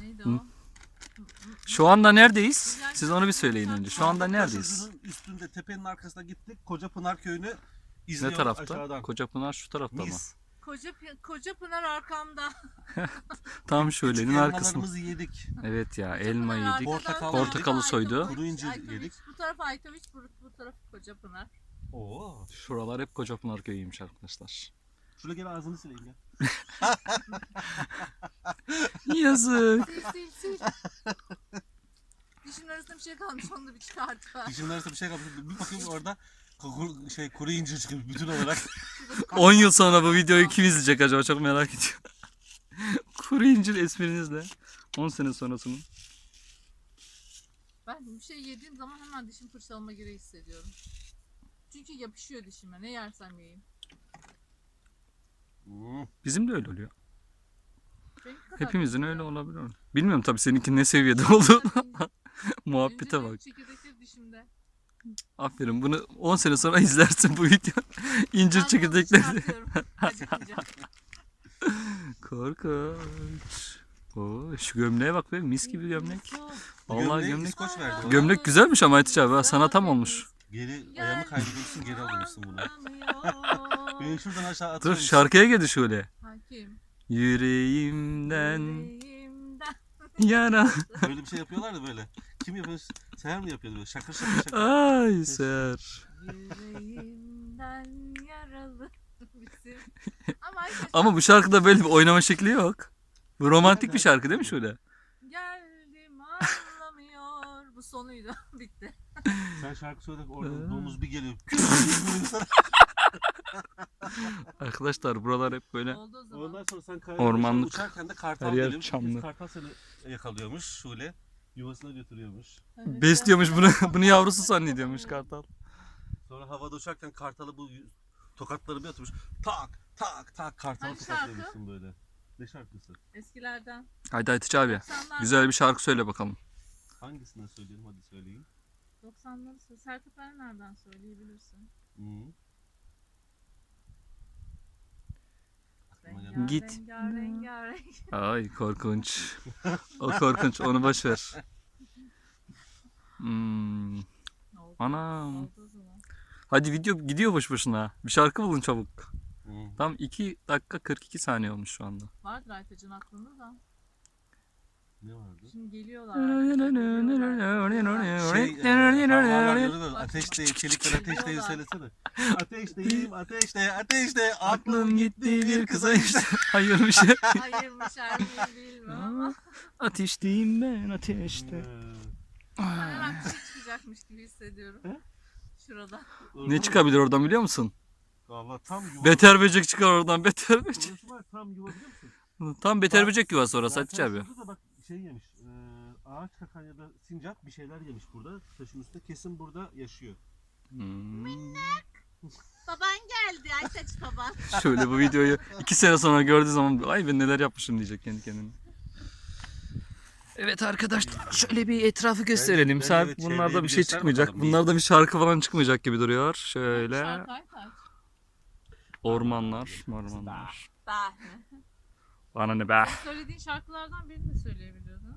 Neydi o? Şu anda neredeyiz? Siz onu bir söyleyin önce. Şu anda neredeyiz? Başucunun üstünde, tepenin arkasına gittik. Kocapınar köyünü Ne izliyoruz tarafta? aşağıdan. Kocapınar şu tarafta mı? Mis. Koca Pınar arkamda. Tam şölenin arkasında. Elmalarımızı yedik. Evet ya, Koca elma Pınar yedik. arkadan Portakalı Aytoviç, soydu. Kuru incir Aytoviç, yedik. Bu taraf Aytoviç, bu taraf Koca Pınar. Oo. Şuralar hep Kocapınar köyüymüş arkadaşlar. Şuraya gel ağzını sileyim ya. Yazık. Sil. Dişin arasında bir şey kalmış, onu da bir çıkart. Dişimin arasında bir şey kalmış. Bir bakayım orada kuru incir çıkıyor bütün olarak. 10 yıl sonra bu videoyu kim izleyecek acaba, çok merak ediyorum. Kuru incir esprinizle 10 sene sonrasının. Ben bir şey yediğim zaman hemen dişim fırçalama gereği hissediyorum. Çünkü yapışıyor dişime, ne yersem yiyeyim. Bizim de öyle oluyor. Benimki kadar Hepimizin değil öyle ya. olabilir. Bilmiyorum tabii seninki ne seviyede oldu. Muhabbete İncir bak. çekirdekleri dişimde. Aferin, bunu 10 sene sonra izlersin bu video. İncir Ben çekirdekleri. bunu çıkartıyorum. Acıkınca. Korkunç. Oo, şu gömleğe bak be, mis gibi gömlek. Vallahi Gömleği gömlek. İskoç verdi bana. Gömlek güzelmiş ama Aytiç abi, sana tam olmuş. Geri ayağımı kaydırmışsın, geri alıyormuşsun bunu. Beni şuradan aşağı Dur atıyormuşsun. şarkıya geldi şöyle. Hakim. Yüreğimden Yüreğimden. yana. Böyle bir şey yapıyorlar da böyle. Kim yapıyor? Seher mi yapıyordu böyle? Şakır şakır şakır. Ay ser. Yüreğimden yaralı. Bizim. Ama bu şarkıda böyle bir oynama şekli yok. Bu romantik bir şarkı değil mi şöyle? Geldim anlamıyor. Bu sonuydu. Bitti. Sen şarkı söyle orada domuz bir geliyor. Arkadaşlar buralar hep böyle Oldu o zaman. Ondan sonra sen Ormanlık. uçarken de kartal Her yer geliyormuş. çamlı. Kartal seni yakalıyormuş. Şule yuvasına götürüyormuş. Evet. besliyormuş bunu yavrusu zannediyormuş kartal. Sonra havada uçarken kartalı bu tokatları bir atmış. Tak tak tak kartalı Hangi tokatlıyormuşsun böyle. Ne şarkısı? Eskilerden. Haydi Aytiç abi, 90'lar. güzel bir şarkı söyle bakalım. Hangisinden söyleyelim hadi söyleyin. 90'ları Sertab Erener'den söyleyebilirsin. Hı. Aklıma gelmedi. Git. Rengarenk. Ay korkunç. O korkunç, onu boş ver. Hmm. Oldu. Anam. Oldu o zaman. Hadi video gidiyor boş boşuna. Bir şarkı bulun çabuk. Hı. Tam 2 dakika 42 saniye olmuş şu anda. Vardır Aytacın aklında da. Ne vardı? Şimdi geliyorlar. Ateş değil, çelikler ateş değil söylesene. Ateşteyim, ateşte, Aklım gitti bir kıza işte. Hayırmış. Hayırmış her bilmem ama. Ateşteyim ben ateşte. Ben her an bir şey çıkacakmış gibi hissediyorum. He? Şurada. Ne çıkabilir oradan biliyor musun? Valla tam yuva. Beter böcek çıkar oradan, beter böcek. Orası var tam yuva biliyor musun? Tam beter böcek yuvası orası Zaten Hatice abi. şurada da bak şey yemiş. Ağaç kakan ya da sincap bir şeyler yemiş burada. Taşın üstünde kesin burada yaşıyor. Baban geldi Aytaç baban. Şöyle bu videoyu 2 sene sonra gördüğü zaman ay ben neler yapmışım diyecek kendi kendine. Evet arkadaşlar, şöyle bir etrafı gösterelim. bence Saat evet, bunlarda çevreyi bir bir şey göster çıkmayacak. bakalım. Bunlarda bir şarkı falan çıkmayacak gibi duruyor. Şöyle Şarkı Aytaç. ormanlar. Bah. Bana ne be. Söylediğin şarkılardan birini de söyleyebiliyordun.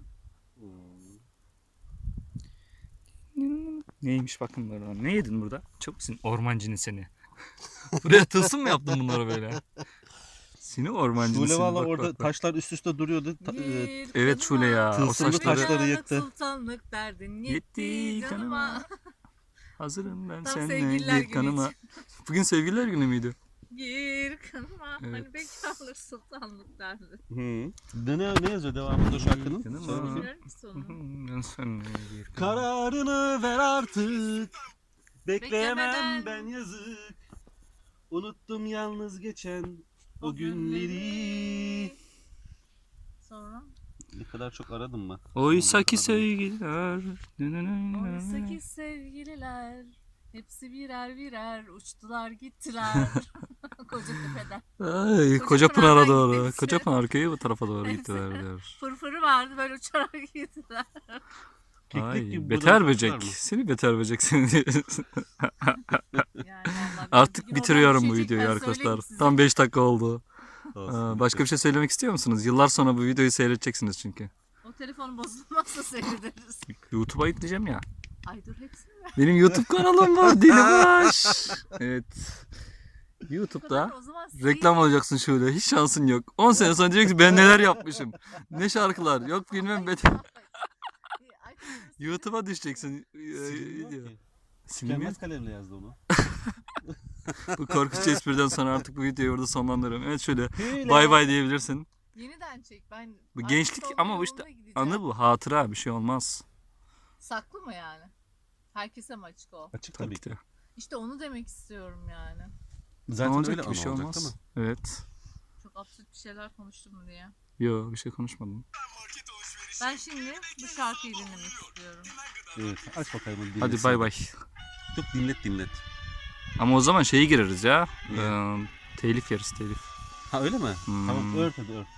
Neymiş bakın burada. Ne yedin burada? Çok musun ormancını seni? Buraya tılsım mı yaptın bunları böyle? Seni ormancını Şule seni. valla Bak, orada bak, bak. taşlar üst üste duruyordu. Bir Evet Şule ya. O Tılsımlı saçları. taşları yıktı. Sultanlık derdin Yetti yetti kanıma. canıma. Hazırım ben Tam seninle sevgililer gir günü kanıma. Bugün sevgililer günü müydü? Gir kanıma. Evet. Hani bekarlık sultanlık derdin. Hı. Ne yazıyor devamında şarkının? Canım Söyle ama. bakayım. Bilmiyorum ki sonunu. Ben seninle gir kanıma. Kararını ver artık. Bekleyemem Beklemeden. ben yazık. Unuttum yalnız geçen o O günleri. Sonra? Ne kadar çok aradım mı? Oysa ki sevgililer. Oysa ki sevgililer hepsi birer birer uçtular gittiler. Kocatepe'den. Ay, Koca Koca Pınar'a Pınar'dan doğru. gitmek Koca üzere. Pınar köyü bu tarafa doğru gittiler diyor. Fırfırı vardı böyle uçarak gittiler. Keklik Ay, gibi beter buradan böcek. çıkar mı? Seni beter böcek seni. Yani vallahi Artık bugün bitiriyorum oradan bu düşecek, videoyu ben arkadaşlar. söyleyeyim size. Tam 5 dakika oldu. Olsun, Başka bir şey söylemek istiyor musunuz? Yıllar sonra bu videoyu seyredeceksiniz çünkü. O telefonu bozulmazsa seyrederiz. YouTube'a yükleyeceğim ya. Ay dur hepsini ver. Benim YouTube kanalım var Delibaş. Evet. YouTube'da O zaman reklam alacaksın şöyle. Hiç şansın yok. 10 sene sonra diyeceksin ben neler yapmışım. Ne şarkılar. Yok bilmem bet. YouTube'a düşeceksin. Silinmiyor Video. ki. Silinmiyor. Tükenmez kalemle yazdı onu. Bu korkunç espriden sonra artık bu videoyu orada sonlandırıyorum. Evet şöyle Hile. bay bay diyebilirsin. Yeniden çek. Ben Bu artık gençlik son ama bu yoluna işte gideceğim. anı bu. Hatıra bir şey olmaz. Saklı mı yani? Herkese mi açık o? Açık Tabii tabii ki. ki. İşte onu demek istiyorum yani. Ne Zaten olacak öyle ki bir şey anı olacak değil olmaz. mi? Evet. Çok absürt bir şeyler konuştum mu diye. Yo bir şey konuşmadım. Ben şimdi bu şarkıyı dinlemek istiyorum. Evet. Aç bakalım. hadi Hadi dinletsin. bay bay. Dur dinlet. Ama o zaman şeyi gireriz ya. Niye? Telif yeriz telif. Ha öyle mi? Hmm. Tamam ört hadi ört.